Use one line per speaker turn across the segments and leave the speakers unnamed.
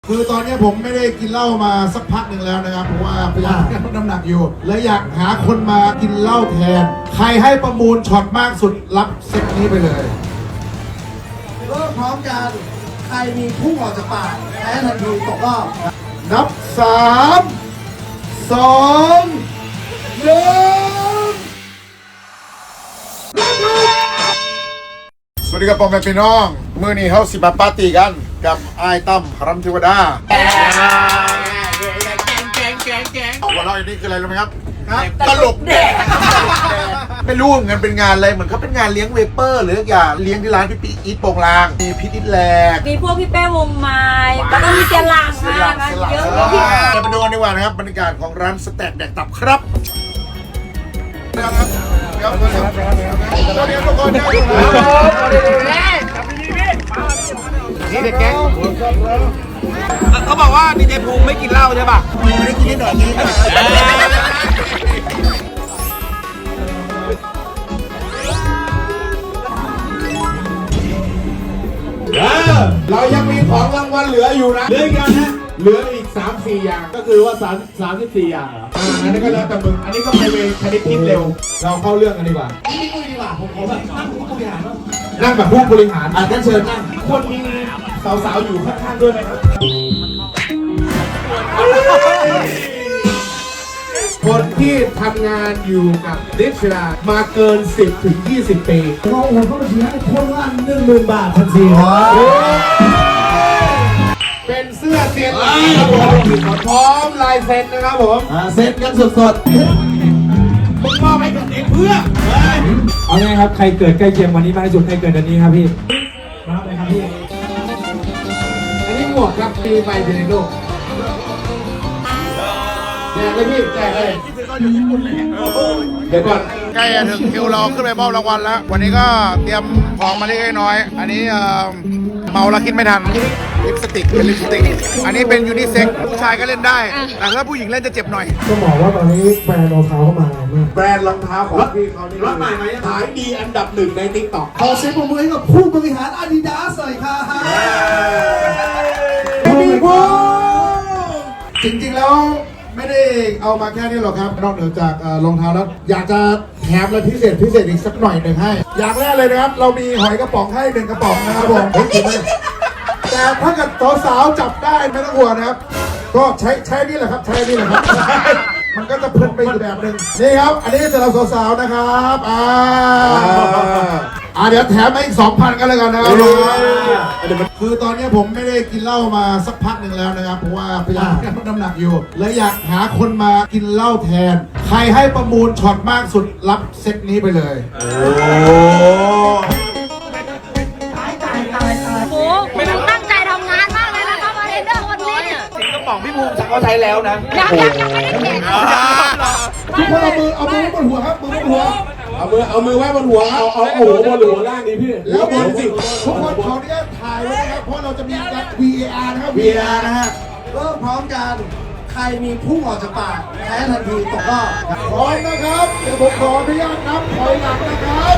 คือตอนนี้ผมไม่ได้กินเหล้ามาสักพักหนึ่งแล้วนะครับเพราะว่าพยายามลดน้ำหนักอยู่และอยากหาคนมากินเหล้าแทนใครให้ประมูลช็อตมากสุดรับเซตนี้ไปเลย
เริ่มพร้อมกันใครมีพุ่งออกจากปากแพ้ทันทีตกรอบ
นับ3 2 1สวัสดีครับพ่อแม่พี่น้องมื้อนี้เฮาสิมาปาร์ตี้กันกับอ้ายตั้มพรัมเทวดาหัวเราะอย่างนี้คืออะไรรู้ไหมครับตลกแดกไม่รู้เงินเป็นงานอะไรเหมือนเขาเป็นงานเลี้ยงเวเปอร์หรืออย่างเลี้ยงที่ร้านพี่ปีอีทโปงลางมีพิทิตแลก
มีพวกพี่เป้วงไม้แล้วก็มีเจลังมากันเยอะเลย
จะไปดูกันดีกว่านะครับบรรยากาศของร้านสแต็กแดกตับครับ
นี่เด็กแก๊งเขาบอกว่าดีเจภูมิไม่กินเหล้าใช่ป่ะ
ไม่ได้กินนิดหน่อยนี้เรายังมีของรางวัลเหลืออยู่นะ
เหลืออีกนะเหลืออีก 3-4 อย่างก็คือว่า34 อย่างเหรอ
อันนี้ก็แล้วแต่มึง
อันนี้ก็ไปเวคณิตคิดเร็ว
เราเข้าเรื่องกันดีกว่า
นี่คุยดีกว่าผมขอแบบนั่งผู้บริหารว่า
นั่งแบบผู้บริหาร
งั้นเชิญนั่งคนมีสาวๆอยู่ข้างๆด้วยไหมครับคนที่ทำงานอยู่กับดิชรามาเกิน 10-20 ปี
เราโอนเข้าบัญชีให้คนละ10,000 บาททันทีครับ
เป็นเสื้อเซียนพร้อมลายเซ็นนะครับผม
เซ็นกันสด
ๆมึงมอบให้กับเด็กเพื่อ
เอาไงครับใครเกิดใกล้เคียงวันนี้มากที่สุดใครเกิดเดือนนี้ครับพี่รับเลยครับพี่
อันนี้หมวกครับปีใหม่ในโลกแจกเลยพี่แจกเลยเดี๋ยวก่อน
ใกล้จะถึงคิวเราขึ้นไปมอบรางวัลแล้ววันนี้ก็เตรียมของมาเล็กน้อยอันนี้เมาแล้วคิดไม่ทันลิปสติกเป็นลิปสติกอันนี้เป็นยูนิเซ็กผู้ชายก็เล่นได้แต่ถ้าผู้หญิงเล่นจะเจ็บหน่อย
ก็บอกว่าตอนนี้แบรนด์รองเท้าเข้ามาแรงมาก
แบรนด์รองเท้าของพี่เขานี่รถใหม่ไหมขายดีอันดับ1ใน TikTok
ขอเสียงปรบมือให้กับผู้บริหาร Adidas หน่อยค่ะ
พี่พูจริงๆแล้วไม่ได้เอามาแค่นี้หรอกครับนอกเหนือจากรองเท้าแล้วอยากจะแถมอะไรพิเศษอีกสักหน่อยหนึ่งให้อย่างแรกเลยนะครับเรามีหอยกระป๋องให้1 กระป๋องนะครับผมแต่ถ้าเกิดสาวๆจับได้ไม่ต้องห่วงนะครับก็ใช้นี่แหละครับใช้นี่แหละครับมันก็จะเพลินไปอีกแบบหนึ่งนี่ครับอันนี้สำหรับสาวๆนะครับเดี๋ยวแถมมาอีก 2,000 กันเลยกันนะครับคือตอนนี้ผมไม่ได้กินเหล้ามาสักพักหนึ่งแล้วนะครับเพราะว่าพยายามลดน้ำหนักอยู่และอยากหาคนมากินเหล้าแทนใครให้ประมูลช็อตมากสุดรับเซตนี้ไปเลย
โอ้โหตั้งใจทำงานมากเลยนะครับมาเรนเดอร์วันนี้
สิงกระป๋องพี่ภูมิฉันก็ใช้แล้วนะ
ยังไม่ได้เก็บ
ทุกคนเอามือบนหัวครับมือบนหัว
เอามือไว้บนหัวครับเอาหัวบนหัวล่างนี้พี่
แล้วบนสิทุกคนขออนุญาตถ่ายไว้นะครับเพราะเราจะมีการ VAR นะครับ VAR นะฮะ
เริ่มพร้อมกันใครมีพุ่งออกจากปากแพ้ทันทีตกรอบ
พร้อมนะครับเดี๋ยวผมขออนุญาตนับถอยหลังนะครับ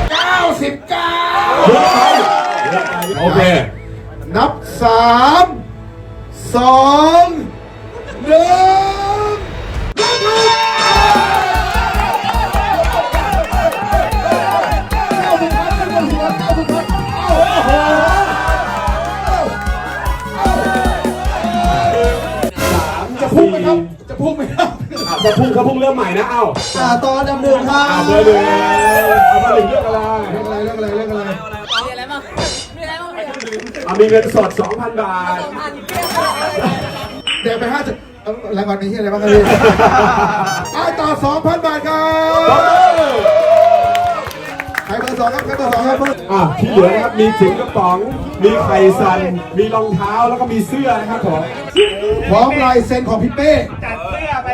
99
โอเค
นับ3 2 1จะพุ่งไหมครับจะพุ่ง
เขาพุ่งเริ่มใหม่นะ
ต่อดำเนินครับ
เอามาถึงเรื่องอะไร
มีอะไรบ้าง
มีเงินสด 2,000 บาท
เดี๋ยวไปรางวัลนี้อะไรบ้างครับพี่ต่อ 2,000 บาทครับใครเบอร์ 2ครับใครเบอร์ 2ครับ
ที่เหลือนะครับมีถึงกระป๋องมีไข่สันมีรองเท้าแล้วก็มีเสื้อนะครับผม
พร้อมลายเซ็นของพี่เป้
จัดเสื้อไป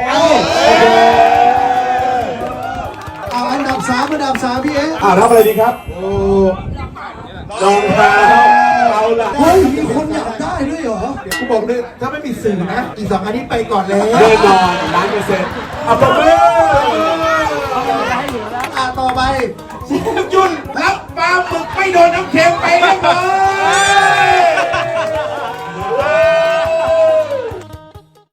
อันดับ3พี่
รับอะไรดีครับรองเท้าเอาล่ะ
เฮ้ยมีคนอยากได้ด้วยเหรอ
เดี๋ยวกูบอกเลยถ้าไม่มีสื่อนะอีก2 อันนี้ไปก่อนเลย
แน่นอน100%ปรบมือ
ต่อไป
ยุ่นรับปลาหมึกไม่โดนน้ำเค็มไปเรียบร้อย